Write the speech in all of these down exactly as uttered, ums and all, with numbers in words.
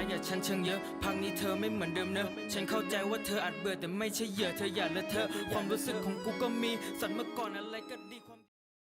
อย่าฉันเชิงเยอะพักนี้เธอไม่เหมือนเดิมเนอะฉันเข้าใจว่าเธออาจเบื่อแต่ไม่ใช่เหยื่อเธออย่าเลอะเทอะความรู้สึกของกูก็มีสัตว์เมื่อก่อนอะไรก็ดีความ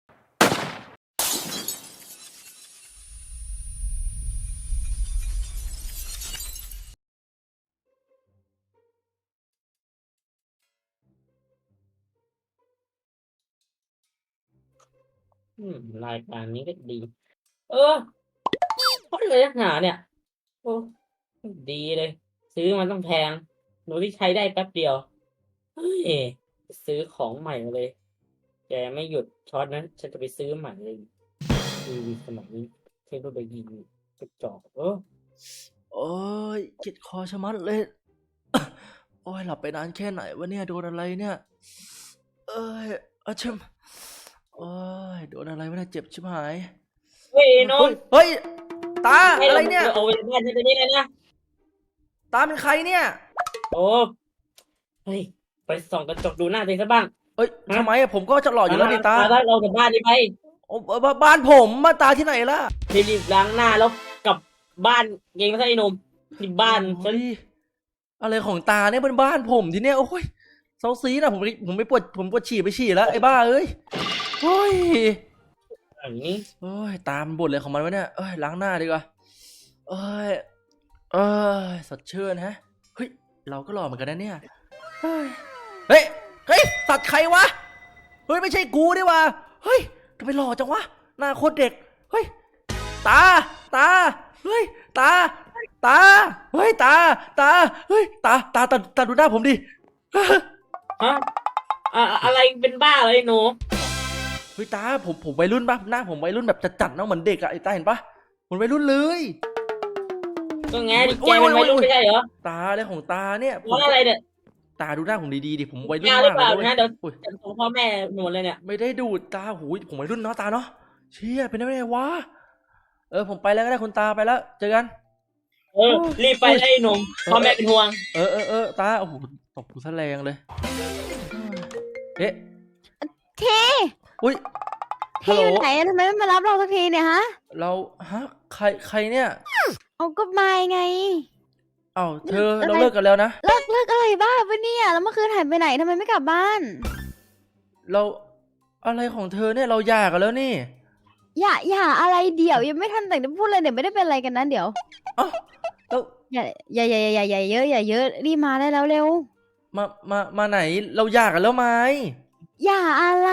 อืมรายการนี้ก็ดี เออเพราะเลยนักหนาเนี่ยโอ้ดีเลย ซื้อมันต้องแพงหนูที่ใช้ได้แป๊บเดียวเฮ้ยซื้อของใหม่มาเลย แกไม่หยุดช็อตนั้นฉันจะไปซื้อใหม่เลยทีวีสมัยนี้เทคโนโลยีกระจอกเออโอ้ยเจ็บคอชะมัดเลย โอ้ยหลับไปนานแค่ไหนวะเนี่ยโดนอะไรเนี่ยเอ้ยอาชิมโอ้ยโดนอะไรวะเนี่ยเจ็บชิบหายเฮ้ยน้อเฮ้งยเฮ้ยตาให้อะไรเราเนี่ยเอาไปบ้านฉันไปนี่เลยนะตาเป็นใครเนี่ยโอ้เฮ้ยไปส่องกระจกดูหน้าตัวเองซะบ้างเอ้ยทำไมอะผมก็จะหล่ออยู่แล้วนี่ตาถ้าเรากลับบ้านนี่ไปโอ้บบ้านผมมาตาที่ไหนล่ะรีบๆล้างหน้าแล้วกลับบ้านเองไม่ใช่ไอ้หนุ่มที่บ้านฉันโอ้ยอะไรของตาเนี่ยเป็นบ้านผมที่เนี่ยโอ้ยเซาซีนะผมไปผมไปปวดผมปวดฉี่ไปฉี่แล้วไอ้บ้าเอ้ยโอ้ยอย่างนี้โอ้ยตามนบ่นเลยของมันวะเนี่ยเอ้ยล้างหน้าดีกว่าเอ้ยเอ้ยสดชื่นฮะเฮ้ยเราก็หล่อเหมือนกันนะเนี่ยเฮ้ยเฮ้ยเฮ้ยสัตว์ใครวะเฮ้ยไม่ใช่กูดิวะเฮ้ยทำไมหล่อจังวะหน้าโคตรเด็กเฮ้ยตาตาเฮ้ยตาตาเฮ้ยตาตาเฮ้ยตาตาตาตาดูหน้าผมดิฮะอ่ะอะไรเป็นบ้าเลยหนูเฮ้ยตาผมผมวัยรุ่นปะหน้าผมวัยรุ่นแบบจัดๆเนาะเหมือนเด็กอะไอ้ตาเห็นปะเหมือนวัยรุ่นเลยก็ไงดิแกเป็นวัยรุ่นไม่ใช่เหรอตาอะไรของตาเนี่ยผมว่าอะไรเนี่ยตาดูหน้าผมดีๆดิผมวัยรุ่นยาวหรืมาอก เปล่าเลยนะเดี๋ยวอุ้ยจะส่งพ่อแม่หนูเลยเนี่ยไม่ได้ดูดตาหูยผมวัยรุ่นเนาะตาเนาะเชี่ยเป็นได้ไงวะเออผมไปแล้วก็ได้คุณตาไปแล้วเจอกันเออรีบไปไอ้หนุ่มพ่อแม่เป็นห่วงเออเออเออตาโอ้โหตบกูซะแรงเลยเอ๊ะเทอุ้ยเทฮัลโหลอยู่ไหนอะทำไมไม่มารับเราสักทีเนี่ยฮะเราฮะใครใครเนี่ยเอาก็มาไงเอ้าเธออะไรเราเลิกกันแล้วนะเลิกเลิกอะไรบ้าปะเนี่ยแล้วเมื่อคืนหายไปไหนทำไมไม่กลับบ้านเราอะไรของเธอเนี่ยเราหย่ากันแล้วนี่อย่าอย่าอะไรเดี๋ยวยังไม่ทันแต่งจะพูดเลยเดี๋ยวไม่ได้เป็นอะไรกันนะเดี๋ยวเอ้าแล้วอย่าอย่าอย่าอย่าอย่าเยอะอย่าเยอะรีบมาได้แล้วเร็วมามามาไหนเราหย่ากันแล้วไหมอย่าอะไร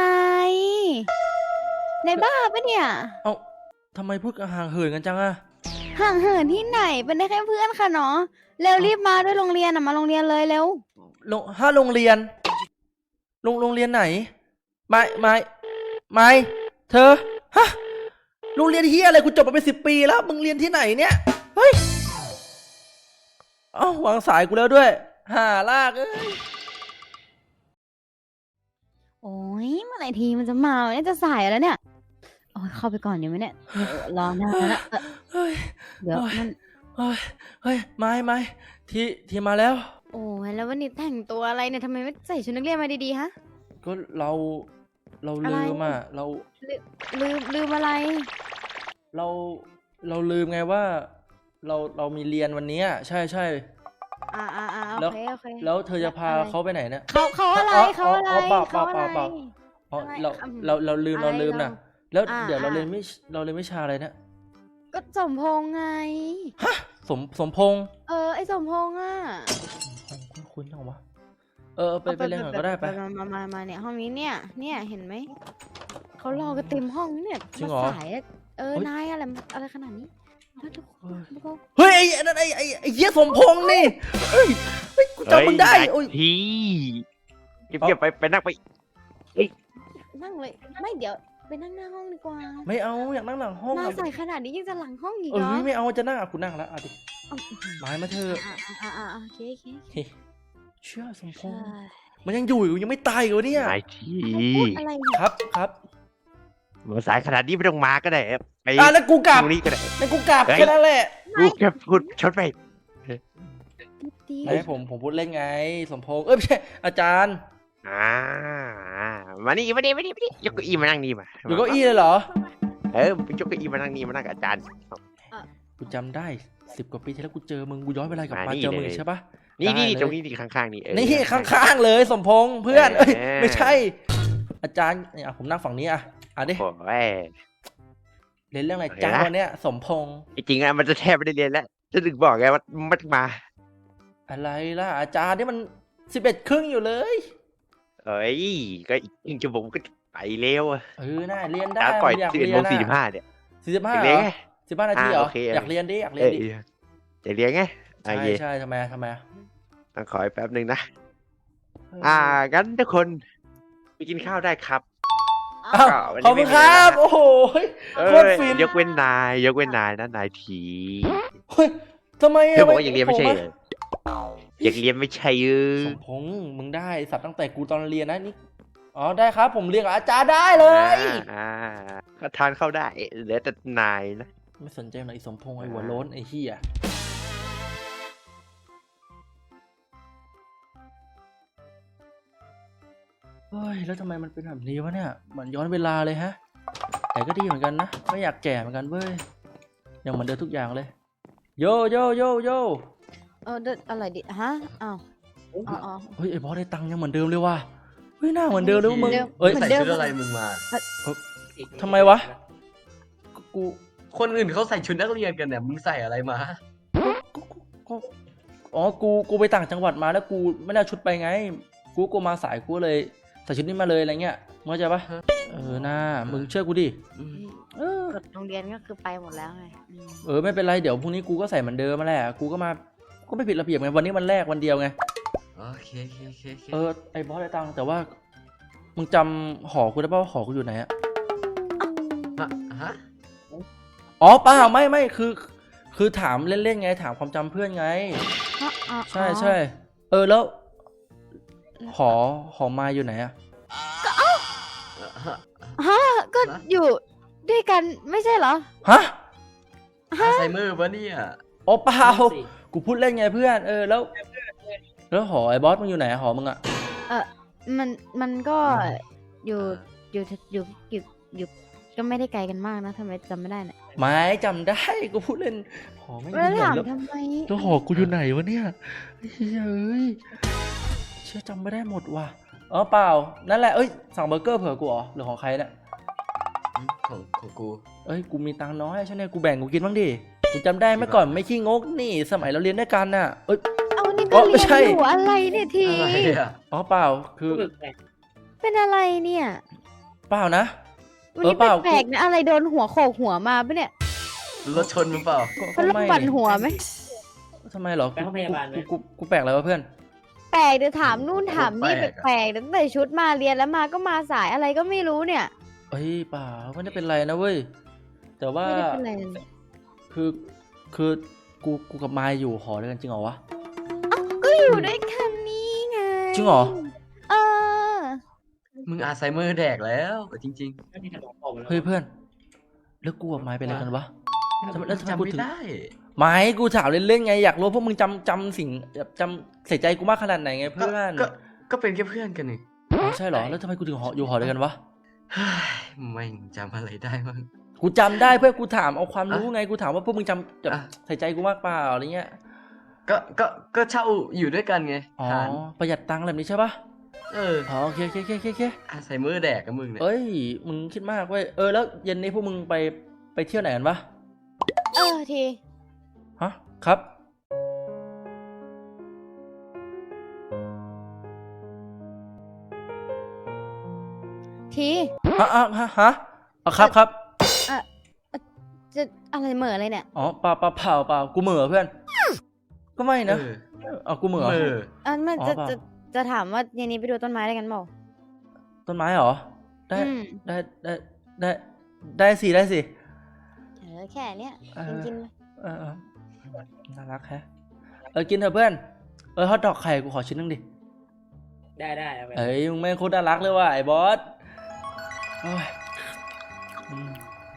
ในบ้าปะเนี่ยเอ้าทำไมพูดกันห่างเหินกันจังอะห่างเหินที่ไหนเป็นได้แค่เพื่อนค่ะเนาะเร็วรีบมาด้วยโรงเรียนอะมาโรงเรียนเลยเร็วโรงห้าโรงเรียนโรงโรงเรียนไหนไม่ไม่ไม่เธอฮะโรงเรียนเฮียอะไรกูจบมาเป็นสิบปีแล้วมึงเรียนที่ไหนเนี่ยเฮ้ยเอ้าวางสายกูแล้วด้วยห่าลากเอ้ยโอ้ยเมื่อไหร่ทีมันจะมาเนี่ยจะสายแล้วเนี่ยโอ้ยเข้าไปก่อนเดี๋ยวไหมเนี่ยเออรอนานแล้วนะเออเฮ้ยเดี๋ยวมันเฮ้ยเฮ้ยไม่ไม่ทีทีมาแล้วโอ้ยแล้ววันนี้แต่งตัวอะไรเนี่ยทำไมไม่ใส่ชุดนักเรียนมาดีๆฮะก็เราเราอะไรลืมอ่ะเราลืมลืมอะไรเราเราลืมไงว่า เราเรามีเรียนวันนี้อะใช่ใช่อ่าอ่าอ่าโอแล้วเคโอเคแล้วเธอจะพาอะไรเขาไปไหนเนี่ยเขาเขาอะไรอ๋อเขาอะไรอ๋อเปล่าเปเขาล่าอะไรเปล่า อ๋ออะไรเราอืมเราเราลืมอะไรเราลืมนะเราแล้วอ่าเดี๋ยวเราอ่าเรียนไม่เราเรียนวิชาอะไรเนี่ยก็สมพงษ์ไงฮะสมสมพงษ์เออไอสมพงษ์อ่ะสมพงษ์คุ้นๆจังวะเออไปไปเรียนก่อนก็ได้ไปมามามามาเนี่ยห้องนี้เนี่ย เนี่ยเห็นไหมเขารอกันเต็มห้องเนี่ยจริงเหรอมาสายอะเออเฮ้ยนายอะไรอะไรขนาดนี้แล้วทุกคนทุกคนเฮ้ยไอ้ไอ้นั่นไอ้ไอ้ไอ้เหี้ยสมพงษ์นี่เฮ้ยเฮ้ยกูจำมึงได้โอ้ยทีเก็บๆไปไปนั่งไปนั่งเลยไม่เดี๋ยวไปนั่งหน้าห้องดีกว่าไม่เอาอยากนั่งหลังห้องมาอะใส่ขนาดนี้ยังจะหลังห้องอีกเอเหรออไม่เอาจะนั่งอ่ะกูนั่งแล้วอ่ะดิเอาหมายมาเธอะอ่าอ่าอ่าโอเคโอเคโอเคเฮ้ยเชื่อสมพงษ์ใช่มันยังอยู่อยู่ยังไม่ตายอีกเหรอเนี่ยนายทีพูดอะไรเนี่ยครับครับมาสายขนาดนี้ไม่ต้องมาก็ได้ไปอ่ะแล้วกูกลับตรงนี้ก็ได้แล้วกูกลับเฮ้ยแค่นั้นแหละกูแค่พูดชดไปดีไม่ผมผมพูดเล่นไง สมพงษ์เอ้ยไม่ใช่อาจารย์อ่ามานี่มานี่มานี่มานี่ยกเก้าอี้มานั่งนี่มาอยู่เก้าอี้เลยเหรอเออไปยกเก้าอี้มานั่งนี่มานั่งกับอาจารย์กูจำได้สิบกว่าปีที่แล้วกูเจอมึงกูย้อนเวลากลับมามานี่เจอมึงเลยใช่ปะนี่ได้นี่เลยตรงนี้นี่ข้างๆนี่เออนี่ข้างๆเลยสมพงษ์เพื่อนเออเอ้ยไม่ใช่ อาจารย์เนี่ยผมนั่งฝั่งนี้อ่ะอ่ะดิโอ้ยเรียนเรื่องอะไรโอเคจ้านะวันเนี้ยสมพงษ์จริงๆอะมันจะแทบไม่ได้เรียนแล้วจะถึงบอกไงว่ามันมาอะไรล่ะอาจารย์นี่มันสิบเอ็ดครึ่งอยู่เลยเอ้ยก็อีกหนึ่งชั่วโมงก็ไปเร็วอะเออน่าเรียนได้ตาก่อยอยากสิบเอ็ดเรียโมนงสี่สิบอ่ะห้าเนี่ยสี่สิบห้าอยากเหรเรียนอไงสิบห้านาทีอ่าเหรอโอเคอยากเรียนดิอยากเรียเอน อดิอยากเรียนไงโอใช่เคใช่ทำไมทำไมต้องขออีกแป๊บหนึ่งนะเอออ่างั้นทุกคนไปกินข้าวได้ครับอ้าวก็วันนี้ขอบคุณไม่มีคอะไรรับนะโอ้โหเอโคอตรฟินยกเว้นนายยกเว้นนายนะนายทีเฮ้ยทำไมเธอบอกว่าอยากเรียนไม่ใช่ผเหรออยากเรียนไม่ใช่เออสมพงษ์มึงได้สัตว์ตั้งแต่กูตอนเรียนนะนี่อ๋อได้ครับ ผมเรียนกับอาจารย์ได้เลยอ่าอ่าก็ทานเข้าได้เหลือแต่นายนะไม่สนใจหน่อยไอ้สมพงษ์ไอ้หัวโล้นไอ้เหี้ยเฮ้ยแล้วทำไมมันเป็นแบบนี้วะเนี่ยเหมือนย้อนเวลาเลยฮะ แต่ก็ดีเหมือนกันนะไม่อยากแก่เหมือนกันเว้ยยังเหมือนเดิมทุกอย่างเลย โยโยโยโยเออเดินอะไรดิฮะอ้าวอ๋ออ๋อเฮ้ยไอ้บอสได้ตังค์ยังเหมือนเดิมเลยว่ะเฮ้ยหน้าเหมือนเดิมเลยว่ะมึงเดิมเอ้ยเหมืใส่อนเดิมชุดอะไรมึงมาทำไมวะกูคนอื่นเขาใส่ชุดนักเรียนกันเนี่ย มึงใส่อะไรมากูกูอ๋อกูกูไปต่างจังหวัดมาแล้วกูไม่ได้เอาชุดไปไง กูกูมาสายกูเลยใส่ชุดนี้มาเลยอะไรเงี้ยมึงเข้าใจปะเออหน้ามึงเชื่อกูดิเออกฎโรงเรียนก็คือไปหมดแล้วไงอืมเออไม่เป็นไรเดี๋ยวพรุ่งนี้กูก็ใส่เหมือนเดิมมาแหละกูก็มาก็ไม่ผิดระเบียบไงวันนี้วันแรกวันเดียวไงโอเคโอเคโอเคโอเคเออไอ้บอสได้ตังค์แต่ว่ามึงจำหอกูได้ป่าวว่าหอกูอยู่ไหนอะฮะฮะอ๋อเปล่าไม่ไม่คือ คือถามเล่นๆไงถามความจำเพื่อนไงอ๋ออ๋อใช่ใช่เออแล้วหอหอมาอยู่ไหนอะฮะฮะก็อยู่ด้วยกันไม่ใช่เหรอฮะอัลไซเมอร์ปะเนี่ยอ๋อเปล่ากูพูดเล่นไงเพื่อนเออแล้วแล้วหอไอ้บอสมึงอยู่ไหนอะหอมึงอะมันมันก็อยู่อยู่อยู่อยู่อยู่ก็ไม่ได้ไกลกันมากนะทำไมจำไม่ได้เนี่ยไม่จำได้กูพูดเล่นหอไม่อยู่แล้วไหนถามแล้วทำไมแล้วหอกูอยู่ไหนวะเนี่ยเฮ้ยเอ้ยเชื่อจำไม่ได้หมดว่ะอ๋อเปล่านั่นแหละเอ้ยสั่งเบอร์เกอร์เผื่อกูเหรอหรือของใครเนี่ยของของกูเอ้ยกูมีตังค์น้อยใช่ไหมกูแบ่งกูกินบ้างดิกูจำได้เมื่อก่อนไม่ขี้งกนี่สมัยเราเรียนด้วยกันน่ะเอ้ยเอานี่อ๋ก็อไม่เรียนใช่อยู่อะไรเนี่ยทีอะไรอ่ะอ๋อเปล่าคือเป็นอะไรเนี่ยเปล่านะวันเออนี้เปล่าแปลกๆนะอะไรโดนหัวโขกหัวมาปะเนี่ยรถชนมึงเปล่าก็เขาลูกไม่บั่นหัวไหมทำไมเหรอไปห้องพยาบาลไหมกูกูกูแปลกอะไรวะเพื่อนแปลกเดี๋ยวถามนู่นถามนี่แปลกๆตั้งแต่ชุดมาเรียนแล้วมาก็มาสายอะไรก็ไม่รู้เนี่ยเอ้ยเปล่าไม่ได้เป็นไรนะเว้ยแต่ว่าไม่ได้เป็นไรเลยคือคือกูกูกับมายอยู่หอด้วยกันจริงเหรอวะก็อยู่ด้วยกันนี่ไงจริงเหรอเออมึงอัลไซเมอร์แดกแล้วจริงเฮ้ยเพื่อนแล้วกูกับมายเป็นอะไรกันวะๆทำไมแล้วทำไมจำกูไม่ถึงได้ไม่กูถามเล่นๆไงอยากรู้พวกมึงจำจำสิ่งแบบจำใส่ใจกูมากขนาดไหนไงก็เพื่อนก็ก็เป็นแค่เพื่อนกันนี่อ๋อใช่เหรอแล้วทำไมกูถึงหออยู่หอเดียวกันวะเฮ้ยไม่งจำอะไรได้มั้งกูจำได้เพื่อนกูถามเอาความรู้อ่ะไงกูถามว่าพวกมึงจำแบบอ่ะใส่ใจกูมากเปล่าอะไรเงี้ยก็ก็ก็เช่าอยู่ด้วยกันไงอ๋อฐานประหยัดตังค์แบบนี้ใช่ปะเอออ๋อโอเคโอเคโอเคโอเคโอเคอัลไซเมอร์แดกกับมึงเนี่ยเอ้ยมึงคิดมากเว้ยเออแล้วเย็นนี้พวกมึงไปไปเที่ยวไหนกันปะเออทีฮะครับทีฮะฮะฮะฮะอ๋อครับครับจะอะไรเหม่ออะไรเนี่ยอ๋อเปล่าเปล่าเปล่าเปล่ากูเหม่อเพื่อน ก็ไม่นะเอออ๋อกูเหม่อเออเออไม่อ๋อจะเปล่าจะจะถามว่าเย็นนี้ไปดูต้นไม้ได้กันเปล่าต้นไม้เหรอได้อืมได้ได้ได้ได้สิได้สิเออแค่เนี้ยเออกินกินไปเออเออน่ารักแฮะเออกินเถอะเพื่อนเออฮอทดอกไข่กูขอชิ้นนึงดิได้ได้เอาไปเอ้ยมึงแม่งโคตรน่ารักเลยว่ะไอ้บอสโอ้ยอืม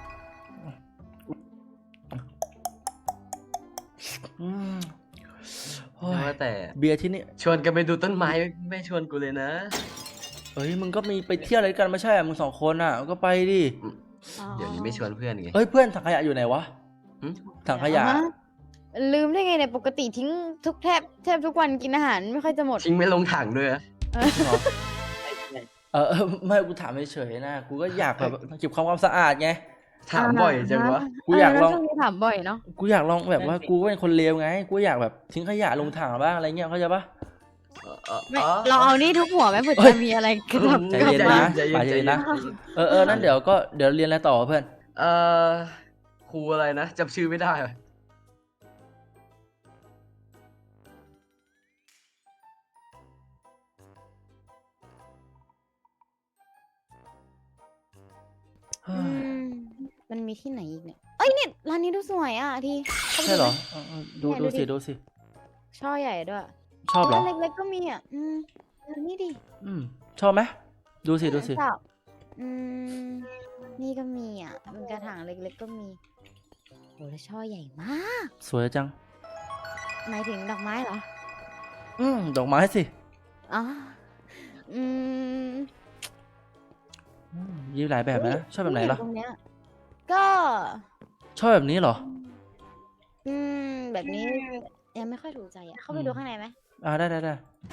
อืมโอ้ยว่าแต่เบียร์ที่นี่ชวนกันไปดูต้นไม้ไม่ชวนกูเลยนะเอ้ยมึงก็มีไปเที่ยวอะไรกันไม่ใช่เหรอมึงสองคนอ่ะก็ไปดิอ๋อเดี๋ยวนี้ไม่ชวนเพื่อนไงเอ้ยเพื่อนถังขยะอยู่ไหนวะหึถังขยะฮลืมได้ไงเนี่ยปกติทิ้งทุกแทบแทบทุกวันกินอาหารไม่ค่อยจะหมดทิ้งไม่ลงถังด้วยอะเออเหรอ เออเออไม่กูถามเฉยๆนะ กูก็อยากแบบเก็บความความสะอาดไงถามบ่อยจังวะกูอยากลองเช่วงนี้ถามบ่อยเนาะกูอยากลองแบบว่ากูก็เป็นคนเลวไง กูอยากแบบทิ้งขยะลงถังบ้างอะไรเงี้ยเข้าใจปะเออเออไม่อ๋อเราเอานี่ทุกหัวไหมเผื่อเฮ้ยจะมีอะไรกระดับใจกลับเย็นมานะใจเย็นป่าใจใจเย็เย็นนนะ เออเออนั่นเดี๋ยวก็เดี๋ยวเรียนอะไรต่อเพื่อนเออครูอะไรนะจำชื่อไม่ได้ว่ะอืมมันมีที่ไหนอีกเนี่ย เอ้ยเนี่ยร้านนี้ดูสวยอ่ะทีข้าไปใช่เหรอไมเออเออดูเนี่ยดูดูดิสิดูสิช่อใหญ่ด้วยชอบเหรอร้านเล็กๆก็มีอ่ะ อืมดูนี่ดิอืมชอบไหมดูสิดูสิชอบอืมนี่ก็มีอ่ะเป็นกระถางเล็กๆก็มีโหแล้วช่อใหญ่มากสวยจังหมายถึงดอกไม้เหรออืมดอกไม้สิอ๋ออืมอืมยีหลายแบบนะชอบแบบไหนล่ะตรงเนี้ยก็ชอบแบบนี้เหรออืมแบบนี้ยังไม่ค่อยถูกใจอ่ะเข้าไปอืมดูข้างในไหมอ่าได้ได้ได้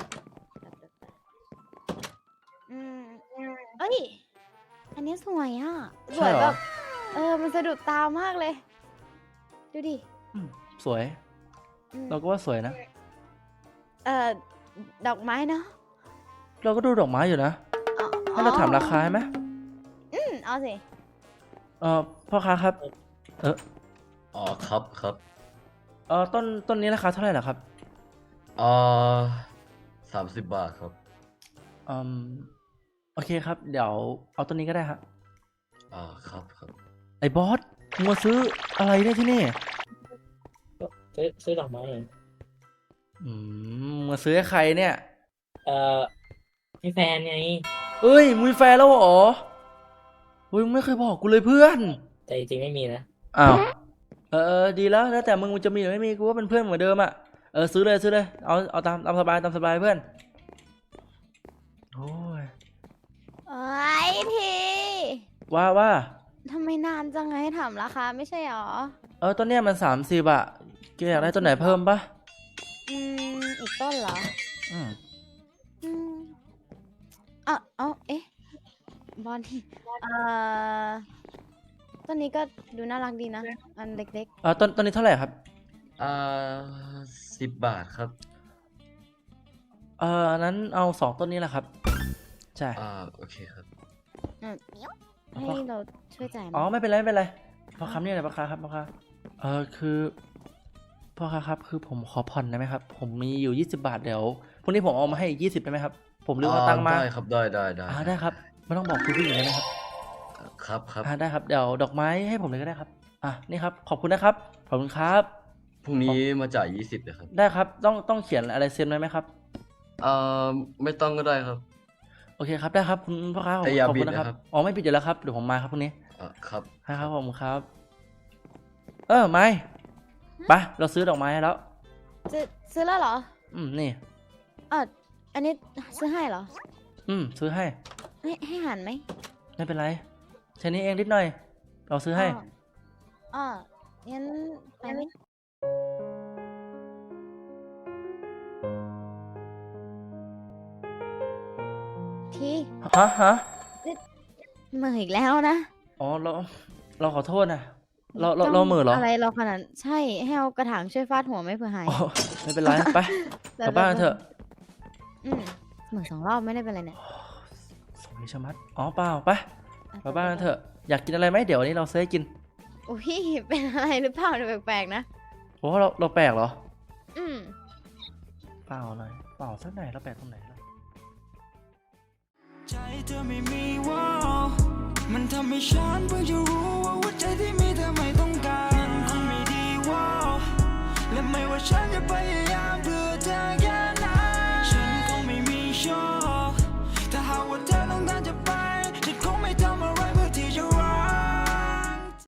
อืมเอ้ย อันนี้สวยอ่ะ สใช่วยเหรแบอบเออ มันสะดุดตามากเลย ดูดิอืมสวยอืมเราก็ว่าสวยนะเอ่อ ดอกไม้เนาะเราก็ดูดอกไม้อยู่นะอ๋อให้เราถามราคาไหมอืมเอาสิเออพ่อค้าครับ เอออ๋อครับครับเออต้นต้นนี้ราคาเท่าไหร่ล่ะครับเอ่อสามสิบบาทครับอืมโอเคครับ เดี๋ยวเอาต้นนี้ก็ได้ครับอ่าครับครับไอ้บอสมึงมาซื้ออะไรเนี่ยที่นี่ซื้อซื้อดอกไม้เองอืมมึงมาซื้อให้ใครเนี่ยเอ่อพี่แฟนไงเอ้ยมึงมีแฟนแล้วเหรอเฮ้ยมึงไม่เคยบอกกูเลยเพื่อนแต่จริงๆไม่มีนะอ้าวเออเออดีแล้วแล้วแต่มึงจะมีหรือไม่มีกูว่าเป็นเพื่อนเหมือนเดิมอ่ะเออซื้อเลยซื้อเลยเอาเอาตามตามสบายตามสบายเพื่อนโอ้ยโอ้ยทีว่าว่าทำไมนานจังไงให้ถามราคาไม่ใช่หรอเออต้นเนี้ยมันสามสิบอะแกอยากได้ต้นไหนเพิ่มปะอืม อีกต้นเหรออืมอืมอ่ะเอาเอ๊ะ บอลเอ่อต้นนี้ก็ดูน่ารักดีนะ อันเล็กเออต้นต้นนี้เท่าไหร่ครับอ่าสิบบาทครับเอออันนั้นเอาสองต้นนี้แหละครับใช่อ่าโอเคครับๆอืมให้เราช่วยจ่ายไหมอ๋อไม่เป็นไรไม่เป็นไรพ่อค้าเนี่ยแหละพ่อค้าครับพ่อค้าเออคือพ่อค้าครับคือผมขอผ่อนได้ไหมครับ ผมมีอยู่ยี่สิบบาทเดี๋ยวพรุ่งนี้ผมเอามาให้อีกยี่สิบได้ไหมครับ ผมลืมเอาตังค์มาได้ครับได้ได้ได้อ่าได้ครับไม่ต้องบอกคุณผู้หญิงเลยนะครับครับครับอ่าได้ครับเดี๋ยวดอกไม้ให้ผมเลยก็ได้ครับอ่ะนี่ครับขอบคุณนะครับขอบคุณครับพรุ่งนี้มาจ่ายยี่สิบเลยครับได้ครับต้องต้องเขียนอะไรเซ็นไว้ไหมครับเอ่อไม่ต้องก็ได้ครับโอเคครับได้ครับคุณพ่อค้าขอบแต่อย่าขอบบิคุดณนะครับนะครับอ๋อไม่ปิดอยู่แล้วครับเดี๋ยวผมมาครับพรุ่งนี้อ่าครับให้ครับผมครับ เออไม่ไปเราซื้อดอกไม้ให้แล้วซื้อซื้อแล้วเหรออืมนี่อ่ะอันนี้ซื้อให้เหรออืมซื้อให้ให้ให้หันไหมไม่เป็นไรแค่นี้เองนิดหน่อย เราซื้อให้อ๋ออ๋องั้นไปไหมทีฮะฮะเหมื่ออีกแล้วนะอ๋อเราเราขอโทษนะเราเราเราเหม่อเหรออะไรเราขนาดใช่ให้เอากระถางช่วยฟาดหัวไหม่เผื่อหายอ๋อไม่เป็นไรไปกลับบ้านกันเถอะอืมเหมือนสองรอบไม่ได้เป็นไรเนี่ยสวยชะมัดอ๋อเปล่าไปกลับบ้านกันเถอะอยากกินอะไรไหมเดี๋ยววันนี้เราซื้อให้กินอุ้ยเป็นอะไรหรือเปล่าดูแปลกๆนะโอ้เราเราแปลกเหรออืมเปล่าหน่อยเปล่าสักไหนเราแปลกตรงไหนล่ะใจเธอไม่มีว่ามันทำให้ฉันเพิ่งจะรู้ว่าหัวใจที่มีเธอไม่ต้องการคงไม่ดีว่าและไม่ว่าฉันจะพยายามเพื่อ